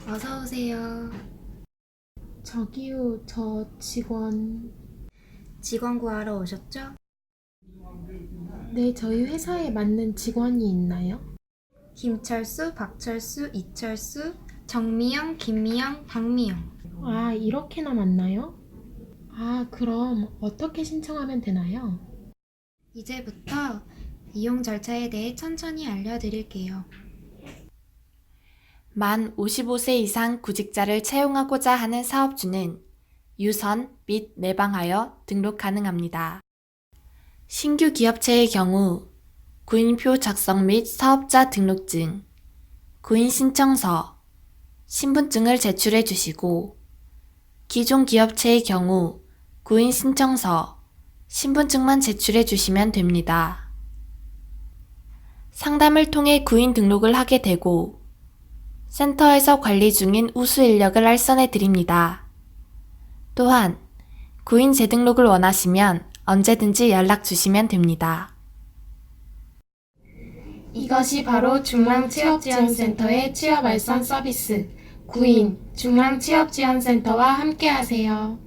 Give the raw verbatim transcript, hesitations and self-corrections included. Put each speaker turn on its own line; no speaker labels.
어서 오세요.
저기요, 저 직원.
직원 구하러 오셨죠?
네, 저희 회사에 맞는 직원이 있나요?
김철수, 박철수, 이철수, 정미영, 김미영, 박미영.
아, 이렇게나 맞나요? 아, 그럼 어떻게 신청하면 되나요?
이제부터 이용 절차에 대해 천천히 알려드릴게요.
만 오십오 세 이상 구직자를 채용하고자 하는 사업주는 유선 및 내방하여 등록 가능합니다. 신규 기업체의 경우 구인표 작성 및 사업자 등록증, 구인신청서, 신분증을 제출해 주시고 기존 기업체의 경우 구인신청서, 신분증만 제출해 주시면 됩니다. 상담을 통해 구인 등록을 하게 되고 센터에서 관리 중인 우수 인력을 알선해 드립니다. 또한 구인 재등록을 원하시면 언제든지 연락 주시면 됩니다.
이것이 바로 중랑취업지원센터의 취업 알선 서비스, 구인 중랑취업지원센터와 함께하세요.